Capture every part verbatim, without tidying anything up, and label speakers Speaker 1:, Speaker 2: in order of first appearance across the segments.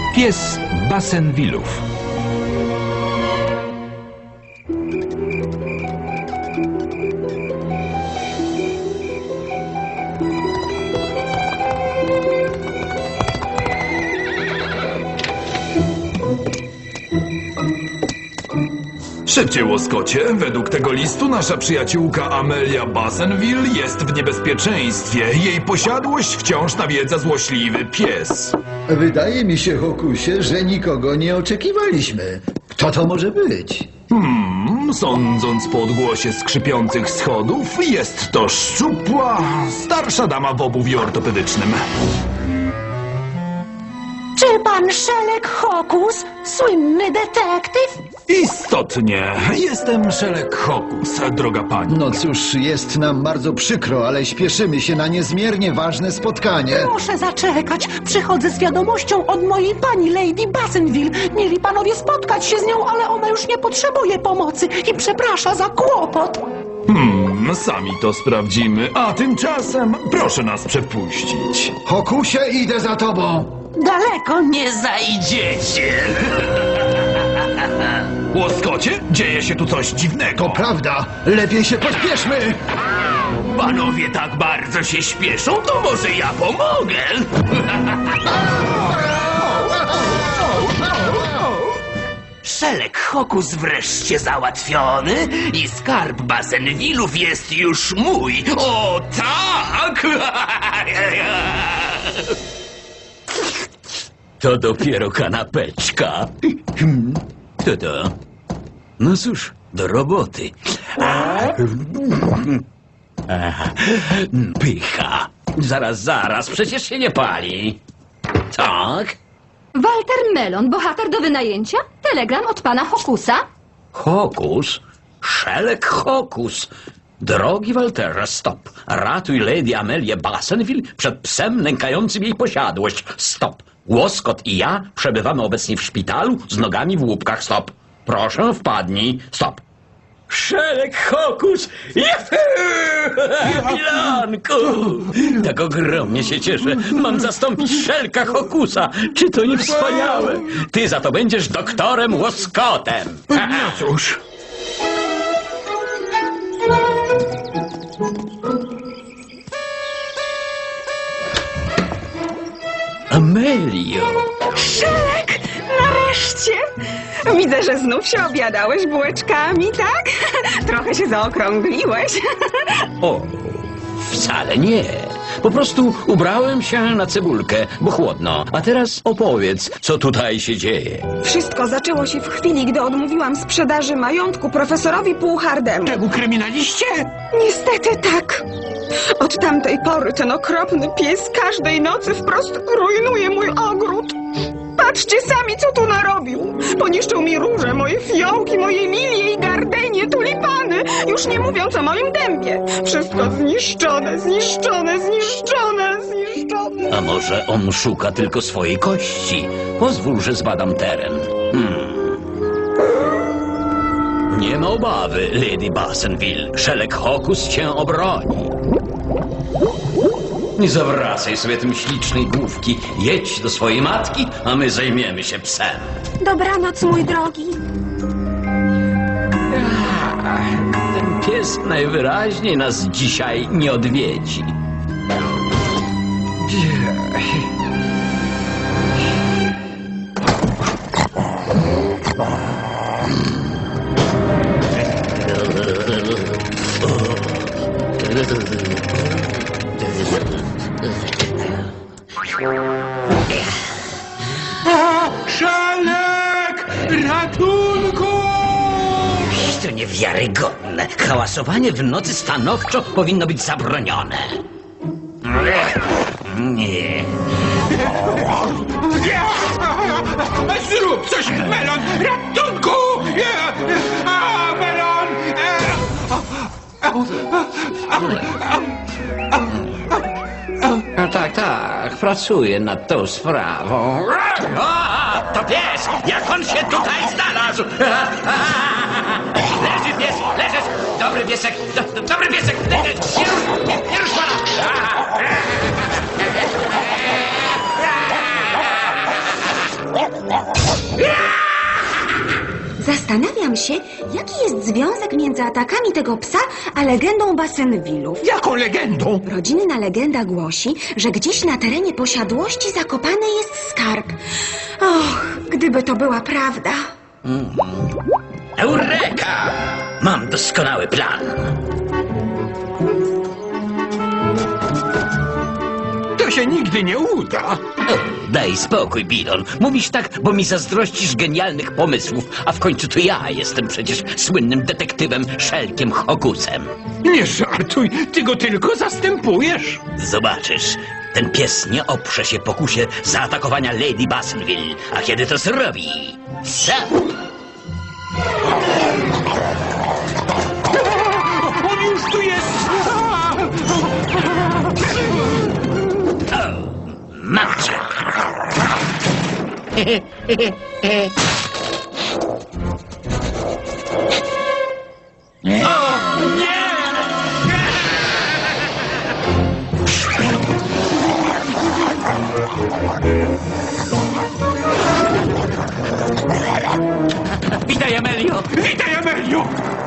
Speaker 1: Pies Bassenvillów.
Speaker 2: Szybciej, łoskocie. Według tego listu nasza przyjaciółka Amelia Bassenville jest w niebezpieczeństwie. Jej posiadłość wciąż nawiedza złośliwy pies.
Speaker 3: Wydaje mi się, Hokusie, że nikogo nie oczekiwaliśmy. Kto to może być?
Speaker 2: Hmm, sądząc po odgłosie skrzypiących schodów, jest to szczupła, starsza dama w obuwiu ortopedycznym.
Speaker 4: Czy pan Sherlock Hokus, słynny detektyw?
Speaker 2: Istotnie, jestem Sherlock Hokus, droga pani.
Speaker 3: No cóż, jest nam bardzo przykro, ale śpieszymy się na niezmiernie ważne spotkanie.
Speaker 4: Proszę zaczekać. Przychodzę z wiadomością od mojej pani Lady Bassenville. Mieli panowie spotkać się z nią, ale ona już nie potrzebuje pomocy i przeprasza za kłopot.
Speaker 2: Hmm, sami to sprawdzimy, a tymczasem proszę nas przepuścić.
Speaker 3: Hokusie, idę za tobą.
Speaker 4: Daleko nie zajdziecie.
Speaker 2: Łoskocie, dzieje się tu coś dziwnego.
Speaker 3: To prawda, lepiej się pośpieszmy.
Speaker 5: Panowie tak bardzo się śpieszą, to może ja pomogę. Szelek Hokus wreszcie załatwiony i skarb Bassenvillów jest już mój. O tak! To dopiero kanapeczka. Kto to? No cóż, do roboty. Aha, pycha. Zaraz, zaraz, przecież się nie pali. Tak?
Speaker 6: Walter Melon, bohater do wynajęcia? Telegram od pana Hokusa?
Speaker 5: Hokus? Szelek Hokus. Drogi Walterze, stop. Ratuj Lady Amelię Bassenville przed psem nękającym jej posiadłość. Stop. Łoskot i ja przebywamy obecnie w szpitalu z nogami w łupkach. Stop. Proszę, wpadnij. Stop. Szelek Hokus! Milanku! Tak ogromnie się cieszę. Mam zastąpić Szelka Hokusa. Czy to nie wspaniałe? Ty za to będziesz doktorem Łoskotem.
Speaker 2: No cóż.
Speaker 5: Amelio!
Speaker 7: Szelek! Nareszcie! Widzę, że znów się obiadałeś bułeczkami, tak? Trochę się zaokrągliłeś.
Speaker 5: O, wcale nie. Po prostu ubrałem się na cebulkę, bo chłodno. A teraz opowiedz, co tutaj się dzieje.
Speaker 7: Wszystko zaczęło się w chwili, gdy odmówiłam sprzedaży majątku profesorowi Półhardemu.
Speaker 5: Temu kryminaliście?
Speaker 7: Niestety tak. Od tamtej pory ten okropny pies każdej nocy wprost rujnuje mój ogród. Patrzcie sami, co tu narobił. Poniszczył mi róże, moje fiołki, moje lilie i gardenie, tulipany. Już nie mówiąc o moim dębie. Wszystko zniszczone, zniszczone, zniszczone, zniszczone.
Speaker 5: A może on szuka tylko swojej kości? Pozwól, że zbadam teren. Hmm. Nie ma obawy, Lady Bassenville. Szelek Hokus cię obroni. Nie zawracaj sobie tym ślicznej główki. Jedź do swojej matki, a my zajmiemy się psem.
Speaker 7: Dobranoc, mój drogi.
Speaker 5: Ten pies najwyraźniej nas dzisiaj nie odwiedzi.
Speaker 2: Szelek! Ratunku!
Speaker 5: To niewiarygodne. Hałasowanie w nocy stanowczo powinno być zabronione. Nie.
Speaker 2: Zrób coś, Melon! Ratunku! A, Melon!
Speaker 5: No tak, tak, pracuję nad tą sprawą. O, to pies! Jak on się tutaj znalazł? Leży pies, leżysz! Dobry piesek, do, dobry piesek! Nie rusz, nie, nie rusz pana!
Speaker 8: Zastanawiam się, jaki jest związek między atakami tego psa a legendą Bassenvillów.
Speaker 9: Jaką legendą?
Speaker 8: Rodzinna legenda głosi, że gdzieś na terenie posiadłości zakopany jest skarb. Och, gdyby to była prawda.
Speaker 5: Eureka! Mam doskonały plan.
Speaker 9: To się nigdy nie uda.
Speaker 5: O, daj spokój, Bilon. Mówisz tak, bo mi zazdrościsz genialnych pomysłów, a w końcu to ja jestem przecież słynnym detektywem Szelkiem Hokusem.
Speaker 9: Nie żartuj, ty go tylko zastępujesz.
Speaker 5: Zobaczysz, ten pies nie oprze się pokusie zaatakowania Lady Bassenville, a kiedy to zrobi... Sam!
Speaker 9: On już tu jest!
Speaker 5: Mam cię! Witaj, Amelio!
Speaker 9: Witaj, Amelio!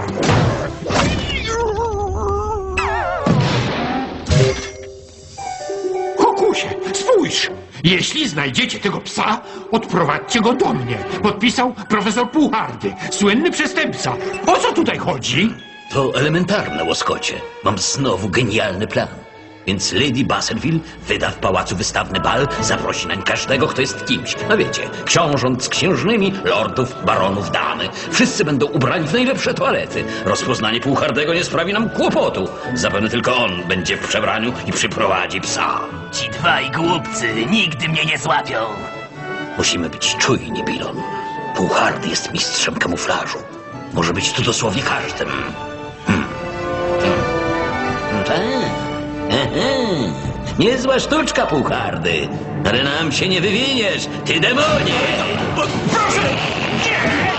Speaker 9: Hokusie, spójrz! Jeśli znajdziecie tego psa, odprowadźcie go do mnie. Podpisał profesor Puchardy, słynny przestępca. O co tutaj chodzi?
Speaker 5: To elementarne, łoskocie. Mam znowu genialny plan. Więc Lady Bassenville wyda w pałacu wystawny bal, zaprosi nań każdego, kto jest kimś. No wiecie, książąt z księżnymi, lordów, baronów, damy. Wszyscy będą ubrani w najlepsze toalety. Rozpoznanie Puchardego nie sprawi nam kłopotu. Zapewne tylko on będzie w przebraniu i przyprowadzi psa.
Speaker 10: Ci dwaj głupcy nigdy mnie nie złapią.
Speaker 5: Musimy być czujni, Bilon. Puchardy jest mistrzem kamuflażu. Może być tu dosłownie każdym. Hmm. Hmm. Tak. Aha. Niezła sztuczka, Puchardy. Ale nam się nie wywiniesz, ty demonie!
Speaker 9: Proszę! Nie!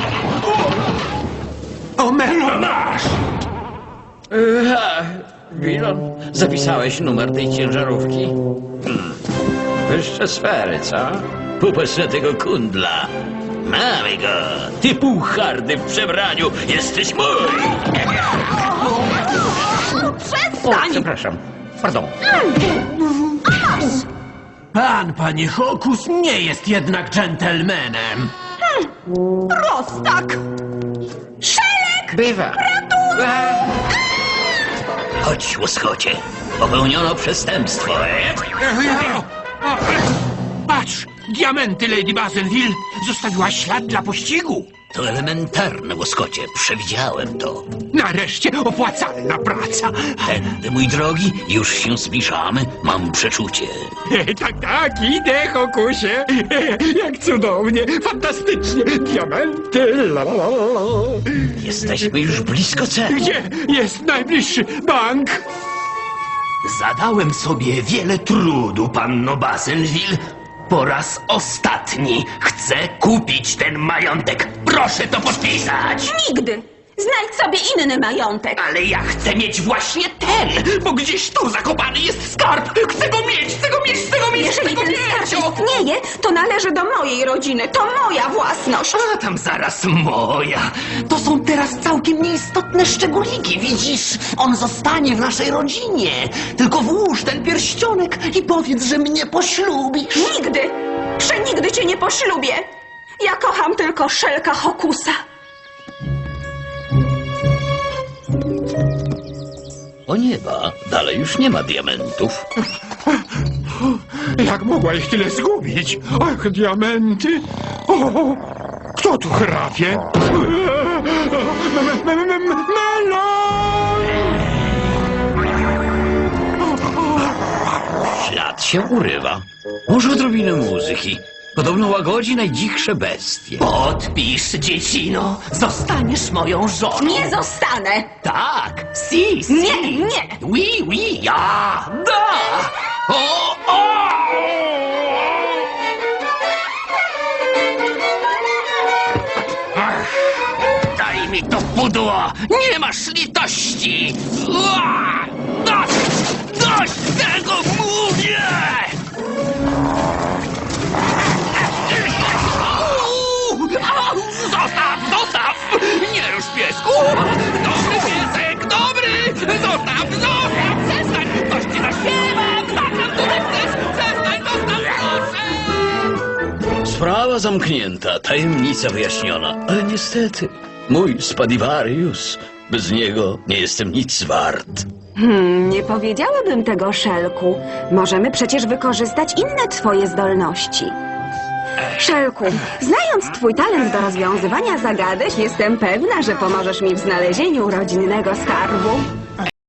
Speaker 9: O, Melo, masz!
Speaker 5: Bilon, zapisałeś numer tej ciężarówki? Hmm. Wyższe sfery, co? Popatrz na tego kundla. Mamy go! Ty, Puchardy w przebraniu, jesteś mój! O,
Speaker 6: Przestań!
Speaker 5: przepraszam. Pardon.
Speaker 10: Pan, panie Hokus, nie jest jednak dżentelmenem.
Speaker 6: Prostak!
Speaker 5: Bywa. Chodź, łoskocie. Popełniono przestępstwo.
Speaker 9: Patrz! Diamenty Lady Bassenville zostawiła ślad dla pościgu.
Speaker 5: To elementarne, łoskocie. Przewidziałem to.
Speaker 9: Nareszcie opłacalna praca.
Speaker 5: Tędy, mój drogi, już się zbliżamy. Mam przeczucie.
Speaker 9: Tak, tak, idę, Hokusie. Jak cudownie, fantastycznie. Diamenty, la, la, la, la.
Speaker 5: Jesteśmy już blisko celu.
Speaker 9: Gdzie jest najbliższy bank?
Speaker 10: Zadałem sobie wiele trudu, panno Bassenville. Po raz ostatni chcę kupić ten majątek. Proszę to podpisać.
Speaker 6: Nigdy! Znajdź sobie inny majątek.
Speaker 10: Ale ja chcę mieć właśnie ten, bo gdzieś tu zakopany jest skarb. Chcę go mieć, chcę go mieć, chcę go mieć,
Speaker 8: Jeżeli
Speaker 10: chcę go
Speaker 8: ten
Speaker 10: mieć.
Speaker 8: skarb istnieje, to należy do mojej rodziny. To moja własność.
Speaker 10: A tam zaraz moja.
Speaker 4: To są teraz całkiem nieistotne szczególiki, widzisz? On zostanie w naszej rodzinie. Tylko włóż ten pierścionek i powiedz, że mnie poślubisz.
Speaker 8: Nigdy! Przenigdy cię nie poślubię! Ja kocham tylko Szelka Hokusa.
Speaker 5: O nieba, dalej już nie ma diamentów.
Speaker 9: Jak mogła ich tyle zgubić? Ach, diamenty. O, kto tu chrapie? Melon!
Speaker 5: Ślad się urywa. Może odrobinę muzyki. Podobno łagodzi najdzichsze bestie.
Speaker 10: Podpisz, dziecino. Zostaniesz moją żoną.
Speaker 8: Nie zostanę!
Speaker 10: Tak, si, si.
Speaker 8: Nie, nie!
Speaker 10: Oui, oui, ja, da. O, o! Daj mi to pudło! Nie masz litości! Ua! Dość! Dość tego, mówię!
Speaker 5: Sprawa zamknięta, tajemnica wyjaśniona, ale niestety, mój Spadivarius, bez niego nie jestem nic wart.
Speaker 8: Hmm, nie powiedziałabym tego, Szelku. Możemy przecież wykorzystać inne twoje zdolności. Szelku, znając twój talent do rozwiązywania zagadek, jestem pewna, że pomożesz mi w znalezieniu rodzinnego skarbu.